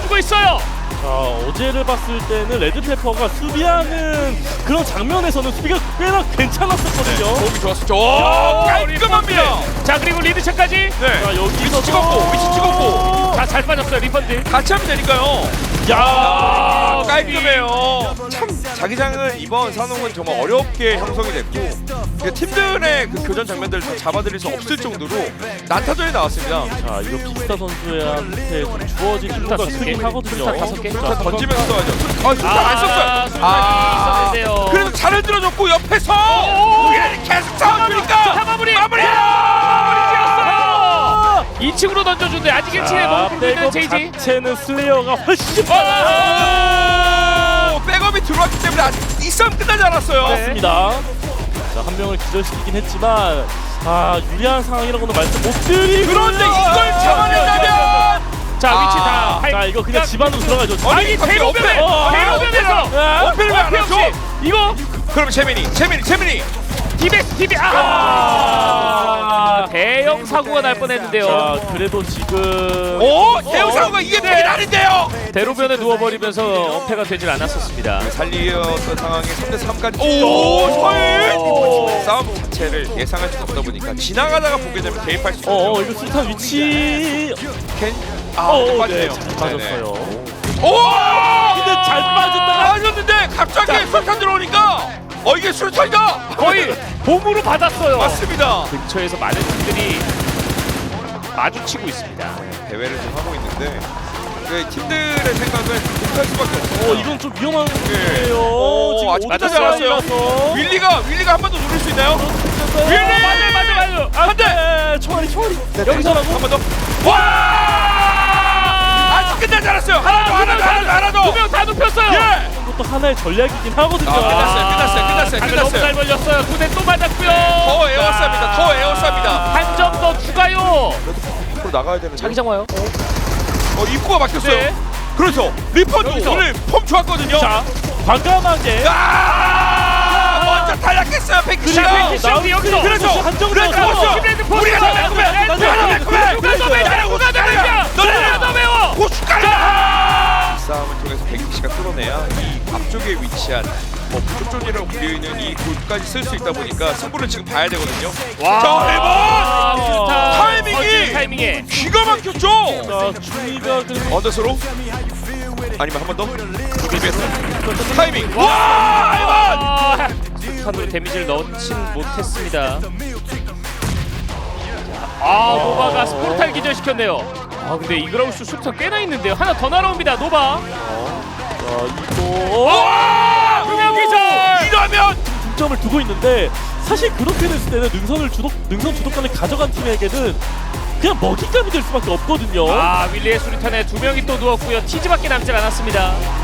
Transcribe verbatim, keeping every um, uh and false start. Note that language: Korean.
보여주고 있어요. 자, 어제를 봤을 때는 레드페퍼가 수비하는 그런 장면에서는 수비가 꽤나 괜찮았었거든요. 호흡이 좋았었죠. 오, 깔끔합니다. 자, 그리고 리드샷까지. 네. 자, 여기서 위치 찍었고, 위치 찍었고. 자, 잘 빠졌어요. 리펀드. 같이 하면 되니까요. 야, 아, 깔끔해요. 참 자기장은 이번 산홍은 정말 어렵게 형성이 됐고 그 팀들의 그 교전 장면들을 다 잡아들일 수 없을 정도로 난타전이 나왔습니다. 자, 이거 빅스타 선수한테 좀 주어진 수류탄 이유가 다섯 크긴 개. 하거든요. 수류탄 다섯 개. 수류탄 던지면서 써야죠. 아, 수류탄 안 썼어요. 수류탄이 있었는데요. 그래도 잘을 들어줬고 옆에서 우리는 계속 싸워주니까 자, 마무리. 마무리. 이 층으로 던져준대. 아직 일 층에 머물고 있는 제이지. 자체는 슬레이어가 훨씬 오, 백업이 들어왔기 때문에 아직 이 싸움 끝나지 않았어요. 네. 맞습니다. 자, 한 명을 기절시키긴 했지만 아, 유리한 상황이라고는 말씀 못 드리고 그런데 이걸 잡아낸다면 자, 위치 아, 다. 할- 자, 이거 그냥 집 안으로 들어가죠. 아니, 대로변에. 어, 대로변에서. 어필을 왜안 어필 하죠? 없이. 이거 그럼 재민이, 재민이, 재민이. 디베스 디베. 아! 아, 대형 사고가 날 뻔했는데요. 자, 그래도 지금 오, 대우사고가 이게 네. 백이 아닌데요. 대로변에 누워버리면서 어패가 되질 않았었습니다. 살리었던 상황이 삼 대 삼까지. 오, 서일. 오. 싸움 자체를 예상할 수 없다 보니까 지나가다가 보게 되면 개입할 수 있죠. 어, 어 이거 수탄 위치 캔. 아, 어, 네, 빠지네요. 잘 빠졌어요. 오! 근데 잘 빠졌다. 빠졌는데 갑자기 술탄 들어오니까 어 이게 술탄이다. 거의 봄으로 받았어요. 맞습니다. 근처에서 많은 팀들이 마주치고 있습니다. 대회를 좀 하고 있는데 그 팀들의 생각은 못할 수밖에 없어요. 어, 이건 좀 위험한 네. 거예요. 오, 지금 아직 오타자 끝나지 않았어요. 라서. 윌리가 윌리가 한 번 더 노릴 수 있나요? 윌리! 맞아요, 맞아요, 맞아요. 안 돼. 총알이 총알이. 여기서라고. 한 번 더. 와! 아직 끝나지 않았어요. 하나 더, 하나 더, 하나 더, 하나 더. 두 명 다 눕혔어요. 예. 이것도 하나의 전략이긴 하거든요. 아, 끝났어요, 끝났어요, 끝났어요, 각을 너무 잘 끝났어요. 벌렸어요. 두 대 또 맞았고요. 더 에어쌉니다. 더 에어쌉니다. 한 점 더 추가요. 앞으로 나가야 되는데. 자기장 와요. 어 입구가 막혔어요. 네. 그렇죠. 리펀도 여기서. 오늘 폼 좋았거든요. 자, 과감하게. 아! 먼저 탈락했어요. 백기씨가. 자, 백기씨 우리 여기서. 그래서 한정을 그래서 넣었어. 시브레드 포스. 우리가 더 매콤해. 우리가 더 매콤해. 누가 더 매워? 누가 더 매워? 누가 더 매워? 고춧가루다. 이 싸움을 통해서 백기씨가 뚫어내야 이 앞쪽에 위치한 뭐 부족존이라고 불리는 이 골까지 쓸 수 있다 보니까 승부를 지금 봐야 되거든요. 와. 자, 아, 일 번 좋다. 타이밍이! 터지는 타이밍에. 기가 막혔죠. 자, 중위가 그 언더스로 아니면 한 번 더. 타이밍. 와, 이번. 아, 탄으로 데미지를 넣진 못했습니다. 아, 노바가 스포르탈 기절시켰네요. 아, 근데 이그라우스 수탄 꽤나 있는데요. 하나 더 날아옵니다. 노바. 자, 이거 와! 두명 기절! 이러면 득점을 두고 있는데 사실 그렇게 됐을 때는 능선을 주독 능선 주도권을 가져간 팀에게는 그냥 먹잇감이 될 수밖에 없거든요. 아, 윌리의 수류탄에 두 명이 또 누웠고요. 티즈밖에 남질 않았습니다.